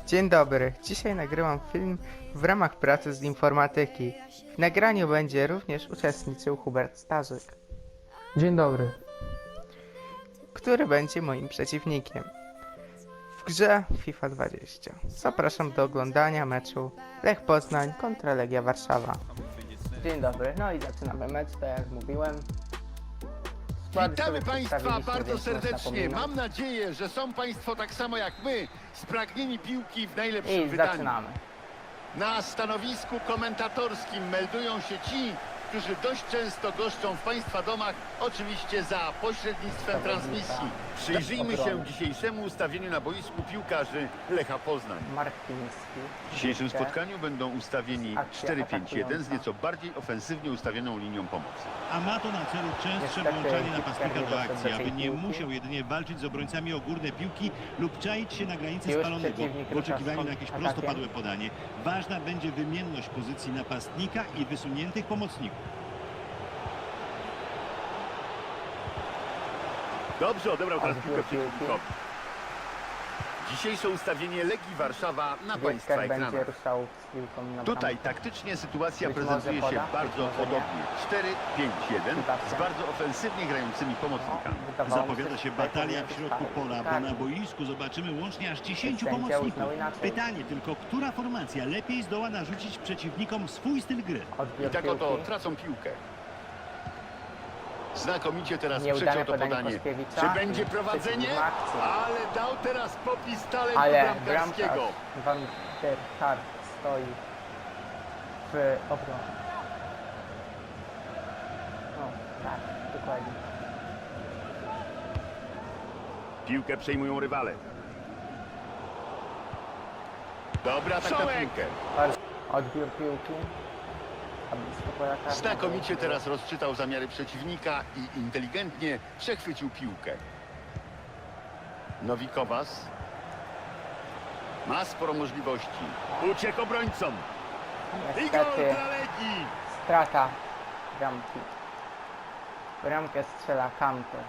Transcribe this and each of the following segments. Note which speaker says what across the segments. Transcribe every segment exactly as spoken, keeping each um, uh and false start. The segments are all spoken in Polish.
Speaker 1: Dzień dobry, dzisiaj nagrywam film w ramach pracy z informatyki. W nagraniu będzie również uczestniczył Hubert Starzyk,
Speaker 2: Dzień dobry.
Speaker 1: który będzie moim przeciwnikiem w grze FIFA dwadzieścia. Zapraszam do oglądania meczu Lech Poznań kontra Legia Warszawa. Dzień dobry, no i zaczynamy mecz, tak jak mówiłem. Składy
Speaker 3: Witamy
Speaker 1: sobie
Speaker 3: Państwa
Speaker 1: przedstawiliśmy,
Speaker 3: bardzo
Speaker 1: więc można
Speaker 3: serdecznie.
Speaker 1: pominąć.
Speaker 3: Mam nadzieję, że są Państwo tak samo jak my, spragnieni piłki w najlepszym
Speaker 1: I
Speaker 3: wydaniu.
Speaker 1: zaczynamy.
Speaker 3: Na stanowisku komentatorskim meldują się ci, którzy dość często goszczą w Państwa domach, oczywiście za pośrednictwem transmisji. Przyjrzyjmy się dzisiejszemu ustawieniu na boisku piłkarzy Lecha Poznań.
Speaker 1: Markiński.
Speaker 3: W dzisiejszym
Speaker 1: Piłkę.
Speaker 3: spotkaniu będą ustawieni
Speaker 1: Akcja
Speaker 3: cztery pięć jeden z
Speaker 1: atakująca.
Speaker 3: nieco bardziej ofensywnie ustawioną linią pomocy.
Speaker 4: A ma to na celu częstsze
Speaker 1: Niestety
Speaker 4: włączanie
Speaker 1: Hitler
Speaker 4: napastnika
Speaker 1: nie
Speaker 4: do
Speaker 1: doszedł
Speaker 4: akcji,
Speaker 1: do tej
Speaker 4: aby nie
Speaker 1: piłki.
Speaker 4: musiał jedynie walczyć z obrońcami o górne piłki lub czaić się na granicy
Speaker 1: Już
Speaker 4: spalonego
Speaker 1: przeciwnik
Speaker 4: w oczekiwaniu
Speaker 1: rusza
Speaker 4: na jakieś
Speaker 1: z atakiem.
Speaker 4: prostopadłe podanie. Ważna będzie wymienność pozycji napastnika i wysuniętych pomocników.
Speaker 3: Dobrze odebrał teraz
Speaker 1: Odbiór
Speaker 3: piłkę
Speaker 1: piłki.
Speaker 3: przeciwnikowi. Dzisiejsze ustawienie Legii Warszawa na Państwa
Speaker 1: Wietkach będzie
Speaker 3: ekranach.
Speaker 1: ruszał z piłką na
Speaker 3: Tutaj
Speaker 1: bramkę.
Speaker 3: taktycznie sytuacja
Speaker 1: Być
Speaker 3: prezentuje
Speaker 1: może
Speaker 3: się
Speaker 1: poda, być
Speaker 3: bardzo
Speaker 1: może nie.
Speaker 3: podobnie. cztery pięć jeden z
Speaker 1: Piłka.
Speaker 3: bardzo ofensywnie grającymi pomocnikami.
Speaker 1: No, wydawało mi
Speaker 4: Zapowiada się
Speaker 1: że tutaj
Speaker 4: batalia w
Speaker 1: powinien
Speaker 4: środku
Speaker 1: być
Speaker 4: pola, bo
Speaker 1: tak.
Speaker 4: na boisku zobaczymy łącznie aż dziesięciu
Speaker 1: Sędzia
Speaker 4: pomocników.
Speaker 1: uznał inaczej.
Speaker 4: Pytanie tylko, która formacja lepiej zdoła narzucić przeciwnikom swój styl gry?
Speaker 3: I
Speaker 1: Odbiór
Speaker 3: tak oto
Speaker 1: piłki.
Speaker 3: tracą piłkę. Znakomicie teraz
Speaker 1: Nieudane
Speaker 3: przeciął to
Speaker 1: podanie
Speaker 3: podanie.
Speaker 1: Koskiewicza.
Speaker 3: Czy będzie
Speaker 1: I
Speaker 3: prowadzenie?
Speaker 1: przeciwnik ma akcję.
Speaker 3: Ale dał teraz popis talentu
Speaker 1: Ale
Speaker 3: bramkarskiego.
Speaker 1: bramkarz Van der Kar stoi w obronie. No, tak, dokładnie.
Speaker 3: Piłkę przejmują rywale. Dobra, tak na piłkę.
Speaker 1: Bardzo odbiór piłki. A blisko pola karnego.
Speaker 3: Znakomicie teraz rozczytał zamiary przeciwnika i inteligentnie przechwycił piłkę. Nowikowas ma sporo możliwości. Uciekł obrońcom. I gol
Speaker 1: Niestety
Speaker 3: dla Legii.
Speaker 1: strata bramki. Bramkę strzela Kanter.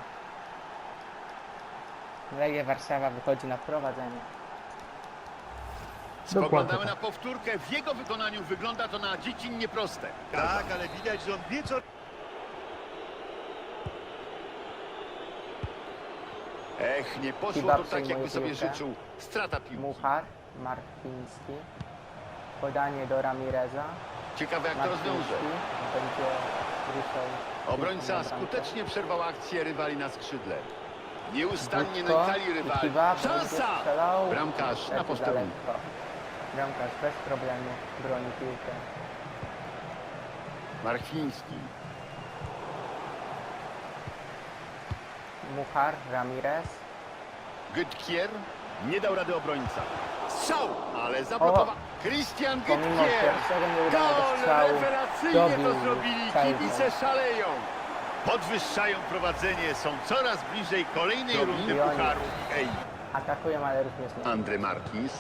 Speaker 1: Legia Warszawa wychodzi na prowadzenie.
Speaker 3: Spoglądamy na powtórkę. W jego wykonaniu wygląda to na dziecinnie proste.
Speaker 4: Tak, ale widać, że on wie co...
Speaker 3: Ech, nie poszło
Speaker 1: Chyba
Speaker 3: to tak, jakby
Speaker 1: przejmuje
Speaker 3: sobie
Speaker 1: piłkę.
Speaker 3: życzył. Strata piłki.
Speaker 1: Muchar, Markiński. Podanie do Ramireza.
Speaker 3: Ciekawe, jak to rozwiąże.
Speaker 1: Markiński będzie ruszał.
Speaker 3: Obrońca
Speaker 1: piłką na bramkę.
Speaker 3: skutecznie przerwał akcję rywali na skrzydle. Nieustannie
Speaker 1: Budko,
Speaker 3: nękali rywali.
Speaker 1: Kiwa, będzie
Speaker 3: Szansa!
Speaker 1: strzelał.
Speaker 3: Bramkarz na
Speaker 1: Niestety
Speaker 3: posterunku.
Speaker 1: daleko. Bramkarz bez problemu broni piłkę.
Speaker 3: Marchiński.
Speaker 1: Muchar, Ramirez.
Speaker 3: Gytkier nie dał rady obrońca. Strzał, ale zablokował. Christian
Speaker 1: Pomimo
Speaker 3: Gytkier.
Speaker 1: pierwszego nieudanego
Speaker 3: Gol!
Speaker 1: strzału
Speaker 3: Rewelacyjnie to
Speaker 1: dobił
Speaker 3: zrobili.
Speaker 1: Kajzer.
Speaker 3: Kibice szaleją. Podwyższają prowadzenie. Są coraz bliżej kolejnej
Speaker 1: Dobił.
Speaker 3: rundy
Speaker 1: I oni.
Speaker 3: pucharu. Ej,
Speaker 1: Atakują, ale również nie.
Speaker 3: Andre Martins.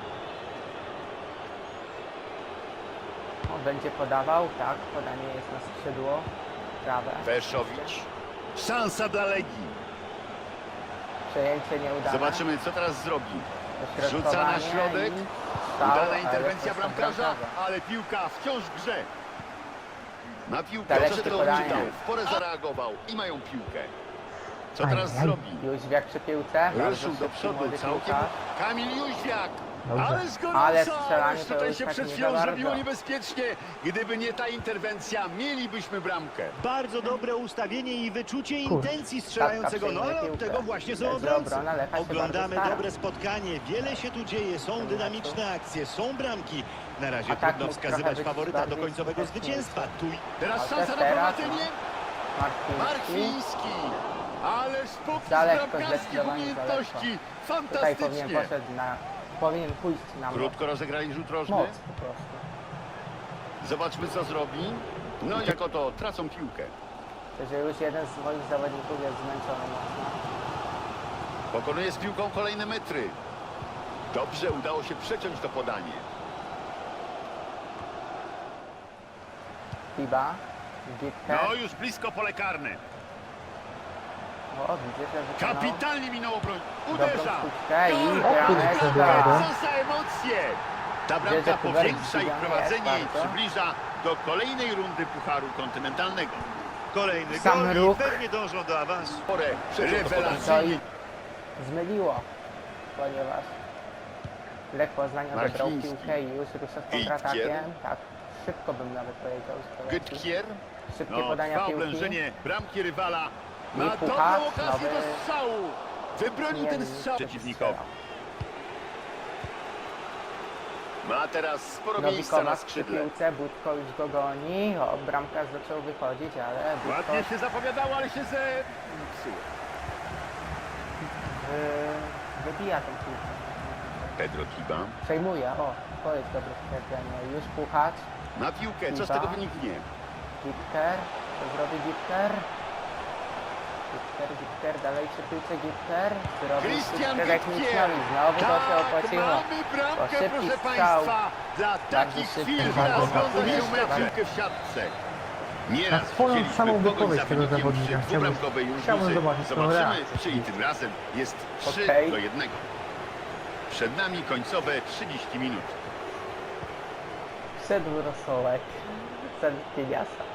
Speaker 1: On będzie podawał, tak, podanie jest na skrzydło. Prawe.
Speaker 3: Weszowicz. Szansa dla Legii.
Speaker 1: Przejęcie nieudane.
Speaker 3: Zobaczymy, co teraz zrobi.
Speaker 1: Dośrodkowanie
Speaker 3: Rzuca na środek.
Speaker 1: i strzał,
Speaker 3: Udana
Speaker 1: ale
Speaker 3: interwencja
Speaker 1: to są
Speaker 3: bramkarza,
Speaker 1: bramkarze.
Speaker 3: ale piłka wciąż w grze. Na piłkę
Speaker 1: Dalekie
Speaker 3: przed
Speaker 1: podanie.
Speaker 3: czytał, w porę zareagował i mają piłkę. Co teraz zrobi?
Speaker 1: Jóźwiak przy piłce. bardzo
Speaker 3: Ruszył do
Speaker 1: szybki
Speaker 3: przodu
Speaker 1: młody
Speaker 3: całkiem.
Speaker 1: piłkarz.
Speaker 3: Kamil Jóźwiak.
Speaker 2: Dobrze.
Speaker 3: Ale z
Speaker 1: Ale
Speaker 3: gorąca,
Speaker 1: strzelanie
Speaker 3: ależ
Speaker 1: to
Speaker 3: tutaj
Speaker 1: już
Speaker 3: się
Speaker 1: tak
Speaker 3: przed
Speaker 1: nie
Speaker 3: chwilą
Speaker 1: za
Speaker 3: zrobiło
Speaker 1: bardzo.
Speaker 3: niebezpiecznie. Gdyby nie ta interwencja, mielibyśmy bramkę.
Speaker 4: Bardzo dobre ustawienie i wyczucie
Speaker 2: Kurde.
Speaker 4: intencji strzelającego, no ale
Speaker 1: przejmuje
Speaker 4: od
Speaker 1: piłkę.
Speaker 4: tego właśnie są
Speaker 1: Będzie
Speaker 4: obrońcy.
Speaker 1: obrona, Lecha się
Speaker 4: Oglądamy
Speaker 1: bardzo stara.
Speaker 4: dobre spotkanie, wiele się tu dzieje, są dynamiczne akcje, są bramki. Na razie
Speaker 1: A tak
Speaker 4: trudno
Speaker 1: mógł
Speaker 4: wskazywać
Speaker 1: trochę być
Speaker 4: faworyta do
Speaker 1: bardziej
Speaker 4: końcowego
Speaker 1: skuteczniejszy.
Speaker 4: zwycięstwa. Tu
Speaker 3: Teraz
Speaker 1: A
Speaker 3: szansa na
Speaker 1: teraz,
Speaker 3: prowadzenie.
Speaker 1: Markiński.
Speaker 3: Marchiński. Ależ póki
Speaker 1: Za
Speaker 3: z
Speaker 1: lekko,
Speaker 3: bramkarskich
Speaker 1: zdecydowanie za
Speaker 3: umiejętności.
Speaker 1: Tutaj powinien
Speaker 3: Fantastycznie.
Speaker 1: poszedł na... Powinien pójść na moc.
Speaker 3: Krótko rozegrali rzut rożny.
Speaker 1: Moc po prostu.
Speaker 3: Zobaczmy, co zrobi. No i jako to tracą piłkę.
Speaker 1: Że już jeden z moich zawodników jest zmęczony mocno.
Speaker 3: Pokonuje z piłką kolejne metry. Dobrze, udało się przeciąć to podanie.
Speaker 1: Fiba. Gitkę.
Speaker 3: No już blisko pole karne.
Speaker 1: O, widzę, że wykonał
Speaker 3: Kapitalnie minął obroń.
Speaker 1: dobrą
Speaker 3: Uderza.
Speaker 1: sztuczkę i
Speaker 3: Gol!
Speaker 1: brameczka.
Speaker 3: Co za emocje! emocje. Ta
Speaker 1: Wiedzę,
Speaker 3: bramka
Speaker 1: Kuberek
Speaker 3: powiększa ich
Speaker 1: zdziwiony
Speaker 3: prowadzenie
Speaker 1: jest
Speaker 3: i
Speaker 1: bardzo.
Speaker 3: przybliża do kolejnej rundy Pucharu Kontynentalnego.
Speaker 4: Kolejny
Speaker 1: Sam
Speaker 4: gol i
Speaker 1: ruch.
Speaker 4: pewnie dążą do awansu.
Speaker 3: Porę
Speaker 1: To
Speaker 3: rewelacyjnie.
Speaker 1: i zmyliło, ponieważ Lech Poznań odebrał
Speaker 3: Marciński.
Speaker 1: piłkę i już rusza z kontratakiem. Tak, szybko bym nawet powiedział. z kolei.
Speaker 3: Gytkier.
Speaker 1: Szybkie
Speaker 3: No,
Speaker 1: podania
Speaker 3: trwa
Speaker 1: piłki.
Speaker 3: oblężenie bramki rywala.
Speaker 1: I
Speaker 3: Ma
Speaker 1: Puchacz,
Speaker 3: dobrą okazję
Speaker 1: nowy-
Speaker 3: do strzału. Wybronił ten
Speaker 1: Nie,
Speaker 3: strzał
Speaker 1: nie
Speaker 3: przeciwnikowi. Ma teraz sporo miejsca na
Speaker 1: Nowikowa przy
Speaker 3: skrzydle.
Speaker 1: piłce, Budko już go goni. O, bramkarz zaczął wychodzić, ale Budko
Speaker 3: Ładnie się zapowiadało, ale się zepsuło.
Speaker 1: yy, wybija tą piłkę.
Speaker 3: Pedro Kiba.
Speaker 1: Przejmuje, o, to jest dobre stwierdzenie. Już Puchacz,
Speaker 3: Na piłkę, co z
Speaker 1: Kiba.
Speaker 3: tego wyniknie?
Speaker 1: Gipker, co zrobi Gipker? Gipker, Gipker, dalej przy piłce Gipker. Zrobi
Speaker 3: Christian
Speaker 1: sztuczkę techniczną i
Speaker 3: Gitkier.
Speaker 1: znowu to się
Speaker 3: Tak,
Speaker 1: opłaciło.
Speaker 3: mamy bramkę,
Speaker 1: To szybki
Speaker 3: proszę
Speaker 1: strzał.
Speaker 3: Państwa. Dla takich
Speaker 1: szybki,
Speaker 3: chwil
Speaker 1: bardzo
Speaker 3: ogląda się
Speaker 1: szybki.
Speaker 3: mecz piłkę w siatce. Nieraz
Speaker 2: Na swoją
Speaker 3: widzieliśmy
Speaker 2: samą
Speaker 3: pogoń
Speaker 2: wypowiedź
Speaker 3: za
Speaker 2: tego
Speaker 3: wynikiem
Speaker 2: zawodnika.
Speaker 3: przy
Speaker 2: Chciałbym-
Speaker 3: dwubramkowej
Speaker 2: chciałbym
Speaker 3: różnicy.
Speaker 2: zobaczyć tą
Speaker 3: Zobaczymy,
Speaker 2: reakcję.
Speaker 3: czy i tym razem jest trzy
Speaker 1: Okej.
Speaker 3: do jednego. Przed nami końcowe trzydzieści minut.
Speaker 1: Wszedł rosołek. Sen Pieniasa.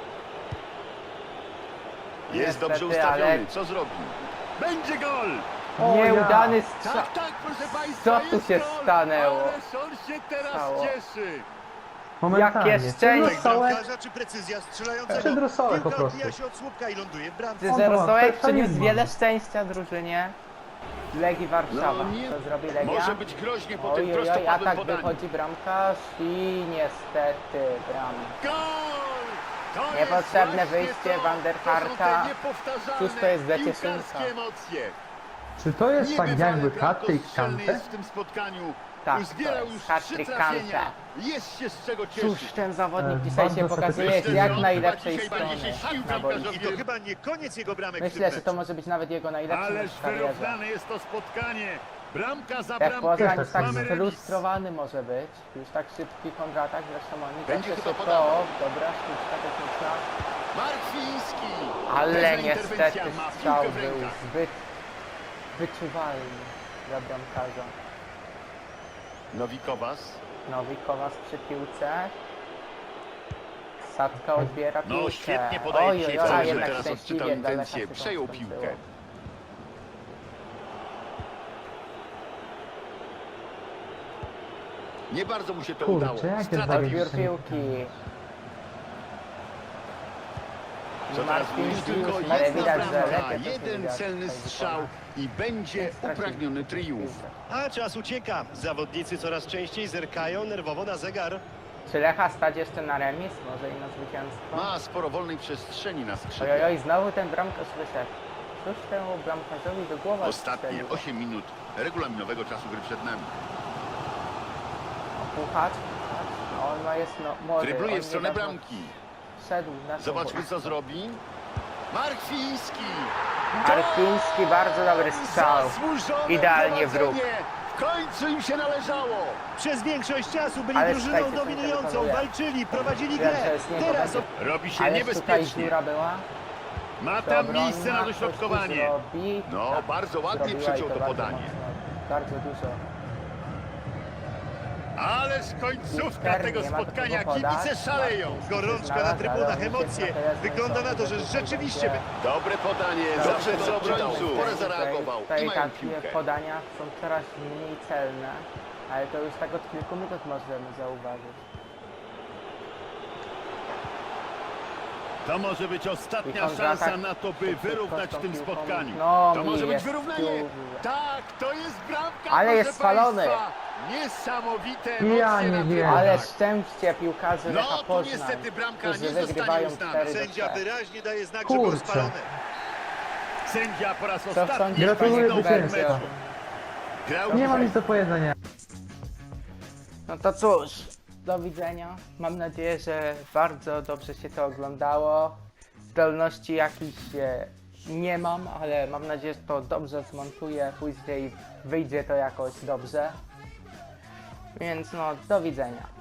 Speaker 3: Jest
Speaker 1: Niestety,
Speaker 3: dobrze ustawiony.
Speaker 1: ale-
Speaker 3: Co zrobi? Będzie gol!
Speaker 2: O ja.
Speaker 1: Nieudany strzał.
Speaker 3: Tak, tak, proszę Państwa,
Speaker 1: Co tu
Speaker 3: jest
Speaker 1: się
Speaker 3: gol!
Speaker 1: stanęło?
Speaker 3: Ależ on się teraz
Speaker 1: Stało.
Speaker 3: cieszy.
Speaker 2: Momentalnie.
Speaker 1: Jakie szczęście.
Speaker 4: Tutaj
Speaker 2: Rosołek,
Speaker 4: bramkarza czy precyzja strzelającego?
Speaker 2: Przed rosołek po
Speaker 4: Piłka
Speaker 2: prostu.
Speaker 4: odbija się od słupka i ląduje w bramce.
Speaker 1: Czy
Speaker 2: On
Speaker 1: że
Speaker 2: to ma
Speaker 1: rosołek przyniósł
Speaker 2: perfekcjonizm.
Speaker 1: wiele szczęścia drużynie Legii Warszawa.
Speaker 3: No nie,
Speaker 1: Co zrobi Legia?
Speaker 3: może być groźnie po tym
Speaker 1: Oj, oj, oj,
Speaker 3: prostopadłym
Speaker 1: atak
Speaker 3: podaniu.
Speaker 1: wychodzi bramkarz i niestety bram.
Speaker 3: Gol! To
Speaker 1: Niepotrzebne
Speaker 3: jest właśnie
Speaker 1: wyjście
Speaker 3: to.
Speaker 1: Van der
Speaker 3: To są te
Speaker 1: Harta.
Speaker 3: niepowtarzalne
Speaker 1: Cóż to jest za
Speaker 3: piłkarskie
Speaker 1: cieszynka?
Speaker 3: emocje.
Speaker 2: Czy to jest tak
Speaker 3: Niebywale
Speaker 2: jakby
Speaker 3: bramko
Speaker 2: hat-trick
Speaker 3: strzelny
Speaker 2: Kante?
Speaker 3: jest w tym spotkaniu.
Speaker 1: Tak,
Speaker 3: Uzbierał
Speaker 1: to jest
Speaker 3: już
Speaker 1: hat-trick
Speaker 3: trzy trafienia.
Speaker 1: Kante.
Speaker 3: Jest się z czego
Speaker 1: Cóż
Speaker 3: cieszyć.
Speaker 1: ten zawodnik
Speaker 2: E,
Speaker 1: dzisiaj się
Speaker 2: bardzo
Speaker 1: pokazuje
Speaker 3: Myślę,
Speaker 1: z
Speaker 3: że
Speaker 1: jak
Speaker 3: on
Speaker 1: najlepszej
Speaker 3: chyba dzisiaj
Speaker 1: strony.
Speaker 3: będzie się sił
Speaker 1: na boisku.
Speaker 3: bramkarzowi.
Speaker 4: I to chyba nie koniec jego bramek w
Speaker 1: Myślę,
Speaker 4: tym
Speaker 1: że
Speaker 4: meczu.
Speaker 1: to może być nawet jego najlepszy
Speaker 3: Ależ
Speaker 1: mecz w karierze.
Speaker 3: wyrównane jest to spotkanie. Bramka za
Speaker 1: Jak
Speaker 3: bramką.
Speaker 1: Poznań
Speaker 2: tak
Speaker 1: tak
Speaker 2: samo.
Speaker 1: sfrustrowany może być. Już tak szybki kontratak, zresztą oni
Speaker 3: Będzie
Speaker 1: zawsze
Speaker 3: chyba
Speaker 1: szybko.
Speaker 3: podawał.
Speaker 1: O, dobra sztuczka techniczna.
Speaker 3: Markwiński.
Speaker 1: Ale
Speaker 3: Pewna
Speaker 1: niestety
Speaker 3: interwencja, ma
Speaker 1: strzał
Speaker 3: piłkę w
Speaker 1: był
Speaker 3: rękach.
Speaker 1: zbyt wyczuwalny dla bramkarza.
Speaker 3: Nowikowas.
Speaker 1: Nowikowas przy piłce. Sadka odbiera piłkę.
Speaker 3: No świetnie podaje
Speaker 1: Oj,
Speaker 3: dzisiaj
Speaker 1: oj, oj,
Speaker 3: wcale, że
Speaker 1: jednak
Speaker 3: teraz
Speaker 1: szczęśliwie
Speaker 3: odczytał
Speaker 1: daleka
Speaker 3: intencję.
Speaker 1: się to
Speaker 3: Przejął
Speaker 1: skończyło.
Speaker 3: piłkę. Nie bardzo mu się to
Speaker 2: Kurczę,
Speaker 3: udało.
Speaker 2: jakie
Speaker 3: Strata
Speaker 2: zabieg.
Speaker 3: piłki.
Speaker 1: Odbiór piłki.
Speaker 3: Co teraz
Speaker 1: Marcin
Speaker 3: już tylko
Speaker 1: Piłka, ale
Speaker 3: jedna
Speaker 1: widać, że
Speaker 3: bramka,
Speaker 1: lepiej to
Speaker 3: jeden
Speaker 1: widać
Speaker 3: celny
Speaker 1: tutaj
Speaker 3: strzał
Speaker 1: wykona.
Speaker 3: i będzie
Speaker 1: Stracił
Speaker 3: upragniony triumf.
Speaker 1: piłkę.
Speaker 4: A czas ucieka. Zawodnicy coraz częściej zerkają nerwowo na zegar.
Speaker 1: Czy Lecha stać jeszcze na remis? Może i na zwycięstwo?
Speaker 3: Ma sporo wolnej przestrzeni na
Speaker 1: Oj,
Speaker 3: skrzydle.
Speaker 1: oj, oj, znowu ten bramkarz wyszedł. Cóż temu bramkarzowi do głowy
Speaker 3: Ostatnie
Speaker 1: strzeliło?
Speaker 3: osiem minut regulaminowego czasu gry przed nami.
Speaker 1: Puchacz? No, on ma jest no, młody.
Speaker 3: Drybluje
Speaker 1: on
Speaker 3: w stronę
Speaker 1: niedawno
Speaker 3: bramki.
Speaker 1: Wszedł na
Speaker 3: Zobaczmy co zrobi. Markwiński.
Speaker 1: Arfiński, bardzo dobry strzał.
Speaker 3: Zasłużone
Speaker 1: Idealnie w róg.
Speaker 3: prowadzenie. W końcu im się należało.
Speaker 4: Przez większość czasu byli
Speaker 1: Ale
Speaker 4: drużyną
Speaker 1: słuchajcie, co
Speaker 4: dominującą,
Speaker 1: wykonuje.
Speaker 4: walczyli, prowadzili
Speaker 1: Wiem,
Speaker 4: grę.
Speaker 1: że z niego
Speaker 4: Teraz
Speaker 1: będzie-
Speaker 3: Robi się
Speaker 1: Ale tutaj
Speaker 3: niebezpiecznie.
Speaker 1: dziura była.
Speaker 3: Ma tam
Speaker 1: Obrona,
Speaker 3: miejsce na
Speaker 1: coś tu
Speaker 3: dośrodkowanie.
Speaker 1: zrobi.
Speaker 3: No,
Speaker 1: Tak,
Speaker 3: bardzo ładnie
Speaker 1: zrobiła i
Speaker 3: przeciął to
Speaker 1: bardzo
Speaker 3: podanie.
Speaker 1: mocno. Bardzo dużo.
Speaker 3: Ależ końcówka
Speaker 1: Piłkarz
Speaker 3: tego
Speaker 1: nie ma do
Speaker 3: spotkania.
Speaker 1: kogo podać.
Speaker 3: Kibice szaleją.
Speaker 1: Marcin
Speaker 4: Gorączka
Speaker 1: znalazł,
Speaker 4: na
Speaker 1: ale
Speaker 4: trybunach,
Speaker 1: on się
Speaker 4: emocje.
Speaker 1: trochę
Speaker 4: Wygląda na to, że
Speaker 1: zdecydował,
Speaker 4: rzeczywiście
Speaker 1: że-
Speaker 3: Dobre podanie. Zawsze co obrońców. Porę zareagował.
Speaker 1: Tutaj
Speaker 3: I mają
Speaker 1: takie
Speaker 3: piłkę.
Speaker 1: podania są coraz mniej celne, ale to już tak od kilku minut możemy zauważyć.
Speaker 3: To może być
Speaker 1: I
Speaker 3: ostatnia
Speaker 1: kontratak
Speaker 3: szansa na to, by
Speaker 1: przed
Speaker 3: wyrównać w
Speaker 1: prostą
Speaker 3: tym
Speaker 1: piłką.
Speaker 3: spotkaniu.
Speaker 1: No,
Speaker 3: To
Speaker 1: mi
Speaker 3: może być
Speaker 1: jest
Speaker 3: wyrównanie.
Speaker 1: dużo.
Speaker 3: Tak, to jest bramka.
Speaker 1: Ale
Speaker 3: proszę
Speaker 1: jest spalony.
Speaker 3: państwa. Niesamowite
Speaker 2: Ja
Speaker 3: emocje
Speaker 2: nie
Speaker 3: na
Speaker 2: wiem.
Speaker 3: trybunach.
Speaker 1: Ale szczęście piłkarzy Lecha
Speaker 3: No tu
Speaker 1: Poznań,
Speaker 3: niestety bramka
Speaker 1: którzy
Speaker 3: nie zostanie
Speaker 1: wygrywają
Speaker 3: uznana.
Speaker 1: cztery do
Speaker 4: sędzia
Speaker 1: trzech.
Speaker 4: wyraźnie daje znak, że
Speaker 2: Kurczę.
Speaker 4: był spalony.
Speaker 3: Sędzia po raz
Speaker 1: Co
Speaker 3: ostatni
Speaker 1: sądzisz,
Speaker 2: Gratuluję
Speaker 1: panie
Speaker 2: zwycięstwa.
Speaker 1: Kubercio?
Speaker 3: grał
Speaker 2: Nie mam
Speaker 3: dzisiaj.
Speaker 2: nic do powiedzenia.
Speaker 1: No to cóż, do widzenia. Mam nadzieję, że bardzo dobrze się to oglądało. Zdolności jakichś e, nie mam, ale mam nadzieję, że to dobrze zmontuję. Później wyjdzie to jakoś dobrze. Więc no, do widzenia.